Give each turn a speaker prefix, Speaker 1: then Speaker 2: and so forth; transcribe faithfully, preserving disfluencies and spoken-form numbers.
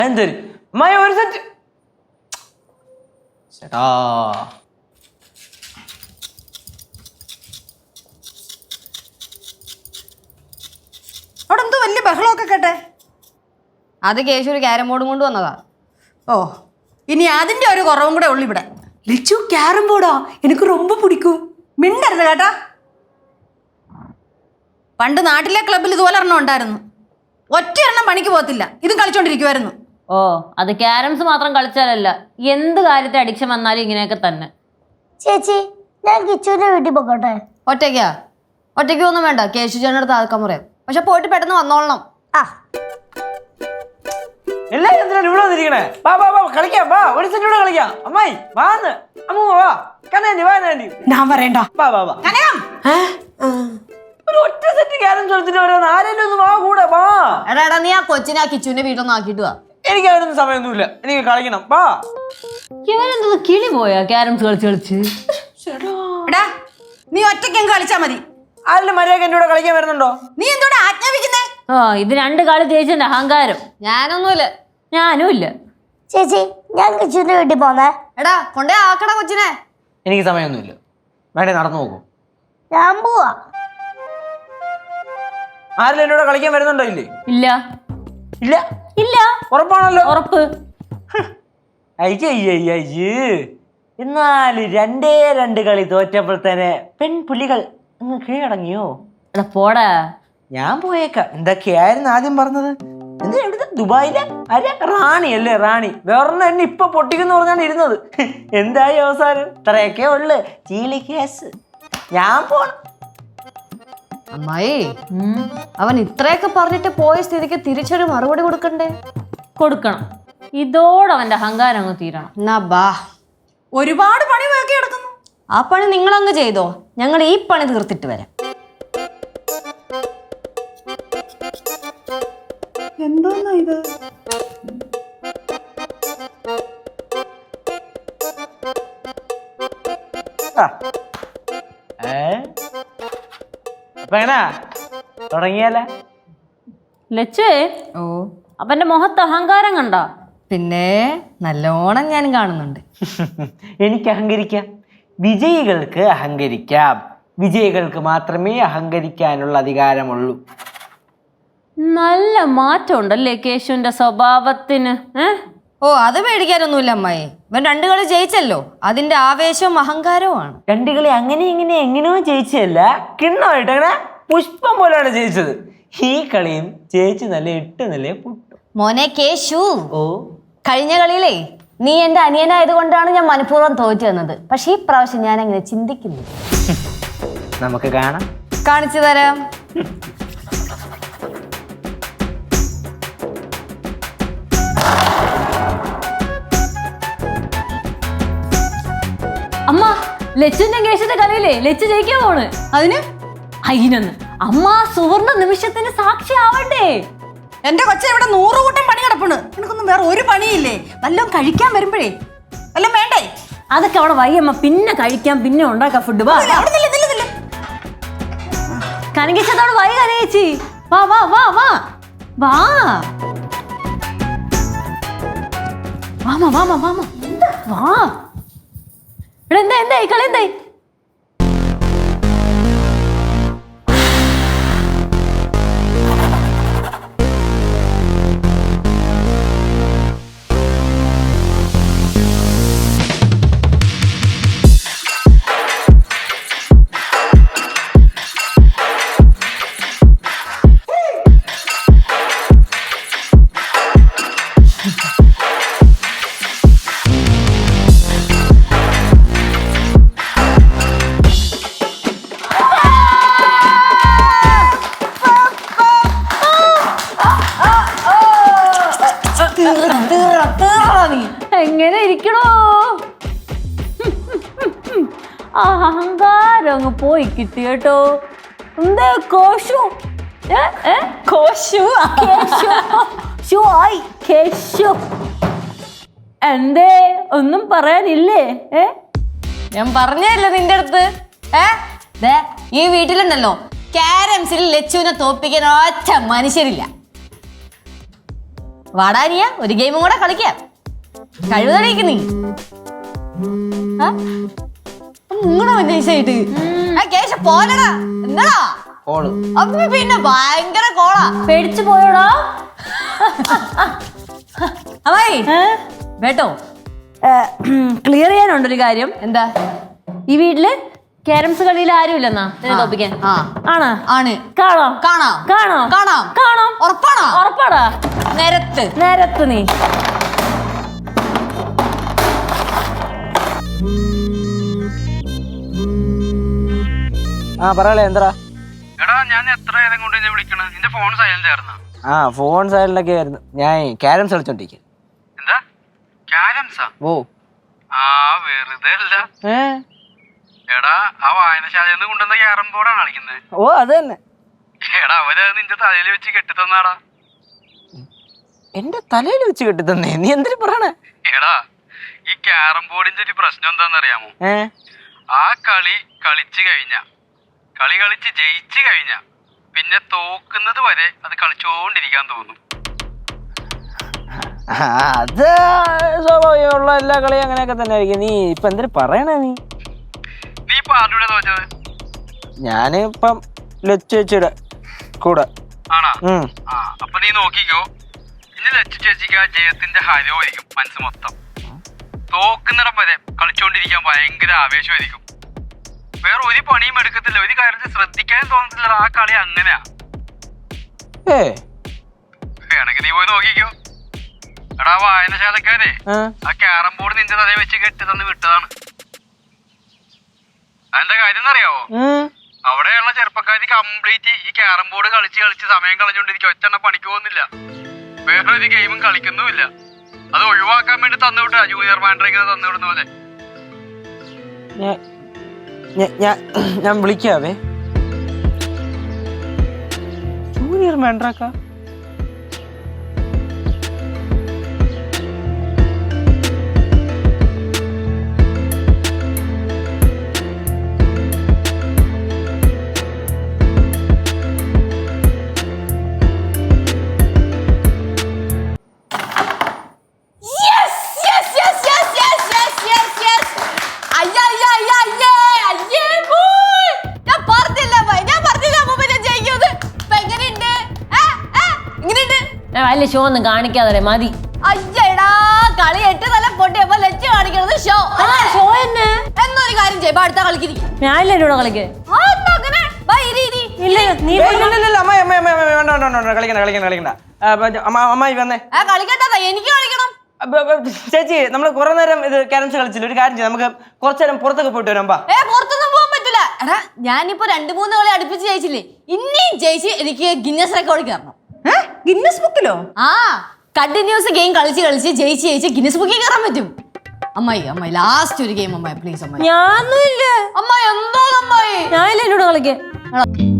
Speaker 1: എന്തൊരു അമ്മായി ഒരു സെറ്റ് ചേട്ടാ.
Speaker 2: അവിടെ എന്തോ വലിയ ബഹളമൊക്കെ കേട്ടെ.
Speaker 3: അത് കേശു ഒരു ക്യാരം ബോർഡും കൊണ്ട് വന്നതാ.
Speaker 2: ഓ ഇനി അതിന്റെ ഒരു കുറവും കൂടെ ഉള്ളു ഇവിടെ.
Speaker 4: ലിച്ചു ക്യാരം ബോർഡാ എനിക്ക് ரொம்ப പിടിക്കും.
Speaker 2: മിണ്ടരുത് കേട്ടാ. പണ്ട് നാട്ടിലെ ക്ലബ്ബിൽ ഇതുപോലെ എണ്ണം ഉണ്ടായിരുന്നു. ഒറ്റ എണ്ണം പണിക്ക് പോകത്തില്ല, ഇതും കളിച്ചോണ്ടിരിക്കുവായിരുന്നു.
Speaker 5: ഓ അത് ക്യാരംസ് മാത്രം കളിച്ചാലല്ല, എന്ത് കാര്യത്തെ അഡിക്ഷൻ വന്നാലും ഇങ്ങനെയൊക്കെ തന്നെ.
Speaker 6: ചേച്ചി ഞാൻ കിച്ചുവിന്റെ വീട്ടിൽ പോകട്ടെ?
Speaker 3: ഒറ്റയ്ക്കാ? ഒറ്റയ്ക്ക് ഒന്നും വേണ്ട, കേശു ചേട്ടനടുത്ത് ആൾക്കാൻ പറയാം. പക്ഷെ പോയിട്ട് പെട്ടെന്ന് വന്നോളണം.
Speaker 6: ആ
Speaker 1: എല്ലാരും എന്തിനാണ് ഇവിടെ വന്നിരിക്കണേ? വാ വാ വാ കളിക്കാം, വാ ഒരു സെറ്റ് കൂടെ കളിക്കാം. അമ്മായി വാന്ന് അമ്മ വാ കണ്ണാൻറ്റി വാ നാൻറ്റി
Speaker 4: ഞാൻ പറയണ്ട.
Speaker 1: വാ വാ വാ ഒരു ഒറ്റ സെറ്റ് ക്യാരം കളിച്ചിട്ട് വരാൻ ആരെങ്കിലും ഒന്ന് വാ കൂടെ വാ.
Speaker 3: എടാ എടാ നീ ആ കൊച്ചിനെ ആ കിച്ചുവിന്റെ വീട്ടിലൊന്നും ആക്കിയിട്ട് വാ.
Speaker 1: എനിക്ക് അതിനൊന്നും സമയമൊന്നുമില്ല, എനിക്ക് കളിക്കണം വാ.
Speaker 5: ഇവനെന്തത് കിളി പോയാ ക്യാരംസ് കളിച്ച് കളിച്ച്?
Speaker 2: എടാ നീ ഒറ്റയ്ക്ക് കളിച്ചാ മതി.
Speaker 1: ആരുടെ മര്യാദ എന്റെ കൂടെ കളിക്കാൻ വരുന്നുണ്ടോ?
Speaker 2: നീ എന്തോടെ ആജ്ഞാപിക്കുന്നേ?
Speaker 5: ആ ഇത് രണ്ട് കളി ജയിച്ചെന്റെ അഹങ്കാരം.
Speaker 3: ഞാനൊന്നുമില്ല.
Speaker 5: ഞാനും ഇല്ല.
Speaker 6: ചേച്ചി ഞാൻ കിച്ചുവിന്റെ വീട്ടിൽ പോന്നേ.
Speaker 3: എടാ കൊണ്ടേ ആക്കടാ കൊച്ചിനെ.
Speaker 1: എനിക്ക് സമയമൊന്നുമില്ല, വേണ്ടേ നടന്നു നോക്കൂ.
Speaker 6: ഞാൻ പോവാ.
Speaker 1: ആരെങ്കിലും എന്റെ കൂടെ കളിക്കാൻ വരുന്നുണ്ടോ? ഇല്ലേ?
Speaker 5: ഇല്ല
Speaker 1: ഇല്ല
Speaker 5: ഇല്ല.
Speaker 1: ഉറപ്പാണല്ലോ?
Speaker 5: ഉറപ്പ്.
Speaker 1: അയ്യയ്യയ്യ് എന്നാല് രണ്ടേ രണ്ട് കളി തോറ്റപ്പോൾ തന്നെ പെൺപുലികൾ അങ്ങ് കീഴടങ്ങിയോ?
Speaker 5: എടാ പോടാ.
Speaker 1: ഞാൻ പോയേക്കാം. എന്തൊക്കെയായിരുന്നു ആദ്യം പറഞ്ഞത്? എന്താ എവിടുത്തെ ദുബായിലെ അരെ റാണി അല്ലേ? റാണി വേറൊന്നും എന്നെ ഇപ്പൊ പൊട്ടിക്കുന്നു പറഞ്ഞാണ് ഇരുന്നത്. എന്തായി അവസാനം? ഇത്രയൊക്കെ ഉള്ളു ചീലി കേസ്. ഞാൻ പോണം.
Speaker 3: അമ്മായി അവൻ ഇത്രയൊക്കെ പറഞ്ഞിട്ട് പോയ സ്ഥിതിക്ക് തിരിച്ചൊരു മറുപടി കൊടുക്കണ്ടേ?
Speaker 5: കൊടുക്കണം. ഇതോടെ അവന്റെ അഹങ്കാരം അങ്ങ് തീരണം.
Speaker 3: എന്നാ ബാ.
Speaker 2: ഒരുപാട് പണി വേക്കി കിടക്കുന്നു.
Speaker 3: ആ പണി നിങ്ങളങ്ങ് ചെയ്തോ, ഞങ്ങൾ ഈ പണി തീർത്തിട്ട് വരാം.
Speaker 2: എന്തോന്നാ ഇത്?
Speaker 1: അപ്പൊ എങ്ങനാ തുടങ്ങിയാല?
Speaker 5: ലച്ചേ
Speaker 3: ഓ
Speaker 5: അവന്റെ മുഖത്ത് അഹങ്കാരം കണ്ട?
Speaker 3: പിന്നെ നല്ലോണം ഞാൻ കാണുന്നുണ്ട്.
Speaker 1: എനിക്ക് അഹങ്കരിക്കാം, വിജയികൾക്ക് അഹങ്കരിക്കാം. വിജയികൾക്ക് മാത്രമേ അഹങ്കരിക്കാനുള്ള അധികാരമുള്ളൂ.
Speaker 5: നല്ല മാറ്റം ഉണ്ടല്ലേ കേശുവിന്റെ സ്വഭാവത്തിന്? ഏഹ്
Speaker 3: ഓ അത് പേടിക്കാനൊന്നുമില്ല അമ്മായി. ഇവൻ രണ്ടു കളി ജയിച്ചല്ലോ, അതിന്റെ ആവേശവും അഹങ്കാരവുമാണ്.
Speaker 1: രണ്ടു കളി അങ്ങനെ ഇങ്ങനെ എങ്ങനെയോ ജയിച്ചതല്ല, കിണ്ണമായിട്ട് അങ്ങനെ പുഷ്പം പോലെയാണ് ജയിച്ചത്. ഈ കളിയും ജയിച്ചു നല്ല എട്ട് നില പൊട്ടു.
Speaker 3: മോനെ കേശു,
Speaker 1: ഓ
Speaker 3: കഴിഞ്ഞ കളിയിലേ നീ എന്റെ അനിയനായത് കൊണ്ടാണ് ഞാൻ മനഃപൂർവ്വം തോറ്റു തന്നത്. പക്ഷെ ഈ പ്രാവശ്യം ഞാൻ അങ്ങനെ ചിന്തിക്കുന്നു.
Speaker 1: നമുക്ക് കാണാം.
Speaker 3: കാണിച്ചു തരാം.
Speaker 5: അമ്മ ലച്ചുന്റെ കേശുന്റെ കളിയില്ലേ ലച്ചു ജയിക്കാൻ പോണ്.
Speaker 2: അതിന്
Speaker 5: അയിനൊന്ന് അമ്മ സുവർണ നിമിഷത്തിന് സാക്ഷി ആവണ്ടേ?
Speaker 2: എന്റെ കൊച്ച ഇവിടെ നൂറ് കൂട്ടം പണി കിടപ്പുണ്ട്. എനിക്കൊന്നും വേറെ ഒരു പണിയില്ലേ? വല്ലതും കഴിക്കാൻ വരുമ്പോഴേ വല്ലതും വേണ്ടേ?
Speaker 5: അതൊക്കെ അവിടെ വയ്യമ്മ, പിന്നെ കഴിക്കാം, പിന്നെ ഉണ്ടാക്കാം ഫുഡ്. വാ കനകിച്ചതോട് വൈ കനകിച്ചി. വാ വാ വാ വാ വാ വാമ വാമ വാമ വാ. എടാ എന്താ എന്തായി കളി എന്തായി? എങ്ങനെ ഇരിക്കണോ? അഹങ്കാരം അങ്ങ് പോയി കിട്ടി കേട്ടോ. എന്താ കോശു കോശു കേശു എന്തേ ഒന്നും പറയാനില്ലേ? ഏ
Speaker 3: ഞാൻ പറഞ്ഞല്ലേ നിന്റെ അടുത്ത്. ഏ ദേ ഈ വീട്ടിലുണ്ടല്ലോ ക്യാരംസിൽ ലച്ചുവിനെ തോപ്പിക്കാൻ ഒറ്റ മനുഷ്യരില്ല. വാടാനിയ ഒരു ഗെയിമും കൂടെ കളിക്കാം. കഴിവറിയിക്ക് നീ മുങ്ങണോ നൈസായിട്ട്. കേശ പോലടാ എന്താടാ
Speaker 1: കോള്
Speaker 3: അപ്പൊ പിന്നെ ഭയങ്കര കോളാ.
Speaker 5: പേടിച്ചു പോയോടാ.
Speaker 3: അമ്മായി വേട്ടോ
Speaker 5: ക്ലിയർ ചെയ്യാനുണ്ടൊരു കാര്യം.
Speaker 3: എന്താ?
Speaker 5: ഈ വീട്ടില് ക്യാരംസ് കളിയിൽ ആരും ഇല്ലെന്നാ തോപ്പിക്കാൻ.
Speaker 3: ആ
Speaker 5: ആണ്
Speaker 3: ആണ്
Speaker 5: കാണോ
Speaker 3: കാണാം
Speaker 5: കാണോ
Speaker 3: കാണാം
Speaker 5: കാണാം.
Speaker 3: ഉറപ്പാണോ?
Speaker 5: ഉറപ്പാടാ.
Speaker 3: നേരത്ത്
Speaker 5: നേരത്ത് നീ
Speaker 1: ആ പറയാളെ എന്താ?
Speaker 7: എടാ ഞാൻ എത്ര നേരം കൊണ്ട് നിന്നെ വിളിക്കണ? നിന്റെ ഫോൺ സൈലന്റ് ആയിരുന്ന?
Speaker 1: ആ ഫോൺ സൈഡിലൊക്കെ ആയിരുന്നു. ഞാൻ ക്യാരംസ് കളിച്ചോണ്ടിരിക്കുക.
Speaker 7: എന്താ ക്യാരംസാ?
Speaker 1: ഓ
Speaker 7: ആ വെറുതെ അല്ല.
Speaker 1: ഏ
Speaker 7: എടാ ആ വായനശാലയിൽ നിന്ന് കൊണ്ടുവന്ന ക്യാരം ബോർഡാണ് കളിക്കുന്നത്.
Speaker 1: ഓ അത് തന്നെ.
Speaker 7: എടാ അവര് നിന്റെ തലയിൽ വെച്ച് കെട്ടിത്തന്നാടാ.
Speaker 1: എന്റെ തലയിൽ വെച്ച് കെട്ടി തന്നേ? നീ എന്തിനു പറയണേ?
Speaker 7: എടാ ഈ ക്യാരം ബോർഡിന്റെ ഒരു പ്രശ്നം എന്താണെന്നറിയാമോ?
Speaker 1: ഏ
Speaker 7: ആ കളി കളിച്ചു കഴിഞ്ഞ കളി കളിച്ച് ജയിച്ചു കഴിഞ്ഞ പിന്നെ തോക്കുന്നത് വരെ അത് കളിച്ചോണ്ടിരിക്കാൻ തോന്നും.
Speaker 1: ആ, അത് സ്വാഭാവികമുള്ള എല്ലാ കളിയും അങ്ങനെയൊക്കെ തന്നെ ആയിരിക്കും. നീ ഇപ്പൊ എന്തിനു പറയണേ? നീ
Speaker 7: നീ ഇപ്പൊ ആരുടെ തോറ്റത്?
Speaker 1: ഞാന് ഇപ്പം ലച്ചുടെ കൂടെ.
Speaker 7: ആണാ?
Speaker 1: ഉം.
Speaker 7: ആ അപ്പൊ നീ നോക്കിക്കോ, ഇനി ലച്ചു ചേച്ചിക്ക് ആ ജയത്തിന്റെ ഹരമായിരിക്കും മനസ്സ് മൊത്തം. തോക്കുന്നിടം വരെ കളിച്ചോണ്ടിരിക്കാൻ ഭയങ്കര ആവേശമായിരിക്കും. വേറെ ഒരു പണിയും എടുക്കത്തില്ല, ഒരു കാര്യത്തിൽ ശ്രദ്ധിക്കാനും തോന്നത്തില്ല. ആ കളി അങ്ങനെയാ.
Speaker 1: ഏ
Speaker 7: വേണമെങ്കിൽ നീ പോയി നോക്കിക്കോ. എടാ വായനശാലക്കാരെ
Speaker 1: ആ,
Speaker 7: ആ ക്യാരം ബോർഡ് നിന്റെ തലയിൽ വെച്ച് കെട്ടി തന്ന് വിട്ടതാണ്. അതിന്റെ കാര്യം എന്നറിയാവോ?
Speaker 1: ഉം.
Speaker 7: അവിടെയുള്ള ചെറുപ്പക്കാരി കംപ്ലീറ്റ് ഈ ക്യാരം ബോർഡ് കളിച്ച് കളിച്ച് സമയം കളഞ്ഞോണ്ടിരിക്കും. ഒറ്റ പണിക്ക് പോകുന്നില്ല, വേറെ ഒരു ഗെയിമും കളിക്കുന്നുമില്ല. അത് ഒഴിവാക്കാൻ വേണ്ടി തന്നുവിട്ടാ ജൂനിയർ മാൻഡ്രേക്കിനെ തന്നുവിടുന്ന പോലെ.
Speaker 1: ഞാ- ഞാ- ഞാ- ഞാൻ വിളിക്കാവേ. ജൂനിയർ മാൻഡ്രാക്ക
Speaker 5: വലിയ ഷോ ഒന്നും കാണിക്കാതെ മതി.
Speaker 3: അയ്യടാ കളി എട്ട് തല പൊട്ടിയപ്പോ ലച്ച് കാണിക്കുന്നത് ഷോ
Speaker 5: ഷോ തന്നെ.
Speaker 3: എന്നൊരു കാര്യം ചെയ്യുമ്പോ അടുത്ത കളിക്കിരിക്കും.
Speaker 5: ഞാനില്ല എന്നോട് കളിക്ക്. ഇല്ല നീ
Speaker 1: കളിക്കണ്ട കളിക്കണ്ട കളിക്കണ്ട. ആ, ബ- അമ്മ- അമ്മായി വന്നേ.
Speaker 3: കളിക്കണ്ട, എനിക്ക് കളിക്കണം.
Speaker 1: ബ- ബ- ചേച്ചി നമ്മൾ കുറെ നേരം ഇത് ക്യാരംസ് കളിച്ചില്ല. ഒരു കാര്യം ചെയ്യാം, നമുക്ക് കുറച്ചു നേരം പുറത്തൊക്കെ പോയിട്ട് വരാം. ബാ.
Speaker 3: ഏ പുറത്തൊന്നും പോകാൻ പറ്റില്ല. എടാ ഞാനിപ്പോ രണ്ടു മൂന്ന് കളി അടുപ്പിച്ച് ജയിച്ചില്ലേ, ഇനിയും ജയിച്ച് എനിക്ക് ഗിന്നസ് റെക്കോർഡ് കയറണം.
Speaker 2: ഗിന്നസ് ബുക്കിലോ?
Speaker 3: ആ കണ്ടിന്യൂസ് ഗെയിം കളിച്ച് കളിച്ച് ജയിച്ച് ജയിച്ച് ഗിന്നസ് ബുക്കിൽ കയറാൻ പറ്റും. അമ്മായി അമ്മായി ലാസ്റ്റ് ഒരു ഗെയിം അമ്മായി പ്ലീസ് അമ്മായി.
Speaker 5: ഞാനൊന്നും ഇല്ല.
Speaker 3: അമ്മായി എന്തോ അമ്മായി
Speaker 5: ഞാനില്ല എന്നോട് കളിക്ക്.